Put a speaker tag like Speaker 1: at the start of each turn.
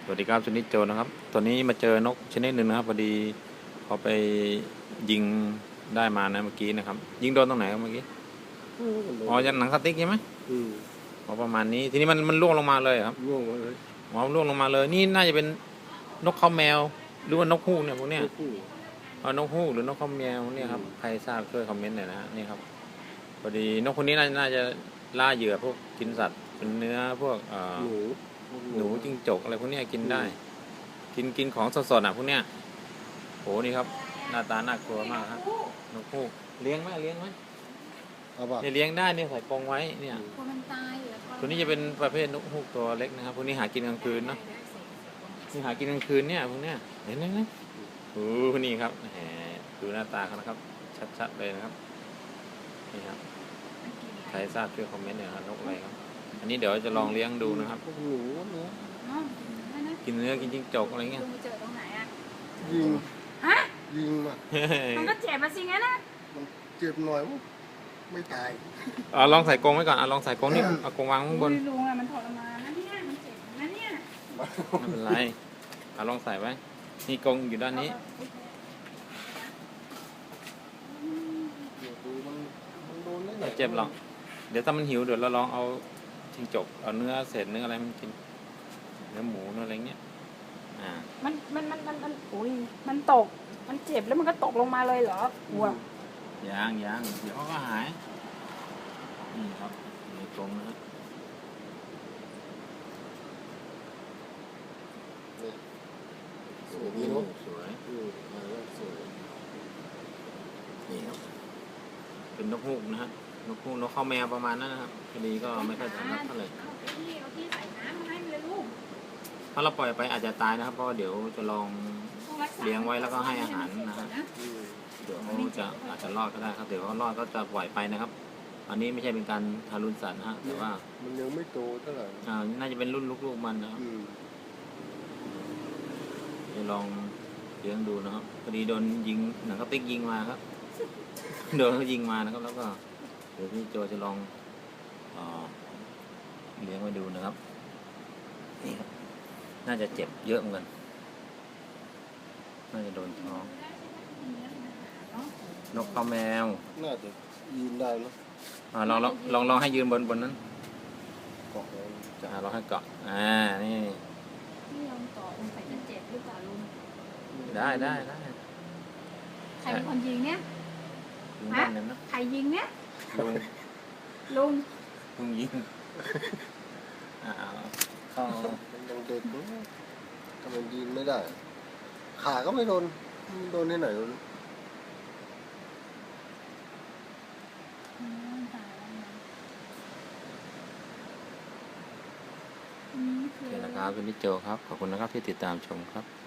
Speaker 1: วัสดีครับชนิดโจนะครับตอนนี้มาเจอนกชนิดหนึ่งนะครับพอดีเขาไปยิงได้มานะเมื่อกี้นะครับยิงโดนตรงไหนครับเมื่อกี้อ๋อยันหนังสติ๊กใช่ไหมอ๋อประมาณนี้ทีนี้มันล่วงลงมาเลยครับ
Speaker 2: ร่วงมาเลย
Speaker 1: อ๋อล่วงลงมาเลยนี่น่าจะเป็นนกข้าวแมวหรือว่านกฮูกเนี่ยพวกเนี้ยนกฮูกหรือนกข้าวแมวเนี่ยครับใครทราบช่วยคอมเมนต์หน่อยนะฮะนี่ครับพอดีนกคนนี้น่าจะล่าเหยื่อพวกกินสัตว์เป็นเนื้อพวกหนูจิ้งจกอะไรพวกนี้กินได้กินของสดๆอ่ะพวกเนี้ยโหนี่ครับหน้าตาน่ากลัวมากครับนกฮูกเลี้ยงไหมเนี่ยเลี้ยงได้เนี่ยใส่กรงไว้เนี่ยตัวนี้จะเป็นประเภทนกฮูกตัวเล็กนะครับพวกนี้หากินกลางคืนเนาะนี่หากินกลางคืนเนี่ยพวกเนี้ยเห็นไหมโอ้นี่ครับแหมดูหน้าตาเขานะครับชัดๆเลยนะครับนี่ครับใครทราบช่วยคอมเมนต์หน่อยครับนกอะไรครับอันนี้เดี๋ยวจะลองเลี้ยงดูนะครับกินเนื้อกินจิ้งจกอะไรเงี้ย
Speaker 3: เจอตรงไหนอ่ะ
Speaker 2: ยิง
Speaker 3: ฮะ
Speaker 2: ยิงมา
Speaker 3: มันก็เจ็บมาสิงั้นนะ
Speaker 2: มันเจ็บหน่อยไม่ตาย
Speaker 1: ลองใส่กรงไว้ก่อนลองใส่กรงนี่เอากรงวางข้างบน
Speaker 3: ลุงอะมันทรมานนะเนี่ยมันเจ็บนะเนี่ย
Speaker 1: ไม่เป็นไรลองใส่ไว้นี่กรงอยู่ด้านนี้ไม่เจ็บหรอกเดี๋ยวถ้ามันหิวเดี๋ยวเราลองเอาจิ้งจกเอาเนื้อเศษเนื้ออะไรมันกินเนื้อหมูเนื้ออะไรเงี้ย
Speaker 3: มันโอ้ยมันตกมันเจ็บแล้วมันก็ตกลงมาเลยเหรอกลัว
Speaker 1: ยังเดี๋ยวเขาก็หายนี่ครับในกรงนะ
Speaker 2: สวยดีเนาะ
Speaker 1: สวย
Speaker 2: สวย
Speaker 1: นี่ครับเป็นนกฮูกนะฮะนกฮูกนกข้าวแมวประมาณนั้นนะครับคดีก็ไม่ค่อยถนัดเท่าไหร่
Speaker 3: เอาที่ใส่น้ำมาให้มันเลยลูก
Speaker 1: ถ้าเราปล่อยไปอาจจะตายนะครับเพราะเดี๋ยวจะลองเลี้ยงไว้แล้วก็ให้อาหารนะฮะเดี๋ยวเขาอาจจะรอดก็ได้ครับเดี๋ยวเขารอดก็จะปล่อยไปนะครับอันนี้ไม่ใช่เป็นการทารุณสัตว์นะฮะแต่ว่า
Speaker 2: มันยังไม่โตเท่าไหร่
Speaker 1: น่าจะเป็นรุ่นลูกๆมันนะครับจะลองเลี้ยงดูนะครับพอดีโดนยิงหนังกระติกยิงมาครับโดนเขายิงมานะครับแล้วก็เดี๋ยวพี่โจจะลองเลี้ยงไว้ดูนะครับนี่ครับน่าจะเจ็บเยอะเหมือนกันน่าจะโดนท้องนกข้าวแมว
Speaker 2: น่าจะยืนได้เนาะ
Speaker 1: ลองให้ยืนบนนั้น
Speaker 2: เกาะ
Speaker 1: จะลองให้เกาะนี่
Speaker 3: ลองต่อลงใส่จะเจ็บหรือเปล่าลุง
Speaker 1: ได้
Speaker 3: ใครเป็นคนยิงเนี่ย
Speaker 1: ฮะ
Speaker 3: ใครยิงเนี่ย
Speaker 1: ลุงยิง
Speaker 2: ยังเด็กทำไมยิงไม่ได้ขาก็ไม่โดนที่ไหน
Speaker 1: โอเคนะครับคุณนิโจครับขอบคุณนะครับที่ติดตามชมครับ